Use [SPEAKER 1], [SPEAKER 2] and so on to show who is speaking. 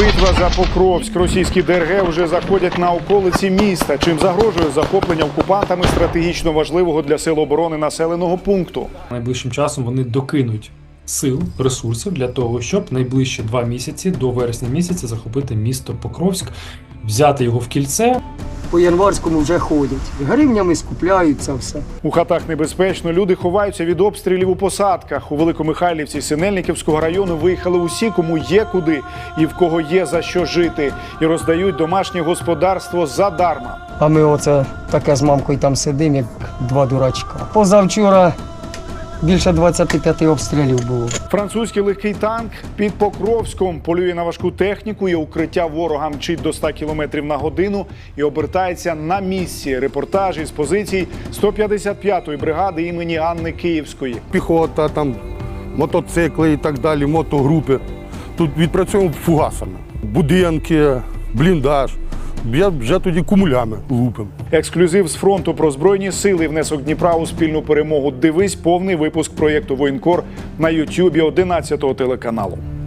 [SPEAKER 1] Битва за Покровськ. Російські ДРГ вже заходять на околиці міста, чим загрожує захоплення окупантами стратегічно важливого для сил оборони населеного пункту.
[SPEAKER 2] Найближчим часом вони докинуть сил, ресурсів для того, щоб найближчі 2 місяці, до вересня місяця, захопити місто Покровськ, взяти його в кільце.
[SPEAKER 3] По Январському вже ходять. Гривнями скупляються все.
[SPEAKER 1] У хатах небезпечно, люди ховаються від обстрілів у посадках. У Великомихайлівці Синельниківського району виїхали усі, кому є куди і в кого є за що жити. І роздають домашнє господарство задарма.
[SPEAKER 3] А ми оце таке з мамкою там сидимо, як 2 дурачка. Позавчора більше 25 обстрілів було.
[SPEAKER 1] Французький легкий танк під Покровськом полює на важку техніку, і укриття ворога мчить до 100 км на годину і обертається на місці. Репортаж із позицій 155-ї бригади імені Анни Київської.
[SPEAKER 4] Піхота, там, мотоцикли і так далі, мотогрупи. Тут відпрацьовуємо фугасами. Будинки, бліндаж. Я вже тоді кумулями лупим.
[SPEAKER 1] Ексклюзив з фронту про Збройні сили, внесок Дніпра у спільну перемогу. Дивись повний випуск проєкту «Воєнкор» на YouTube 11 телеканалу.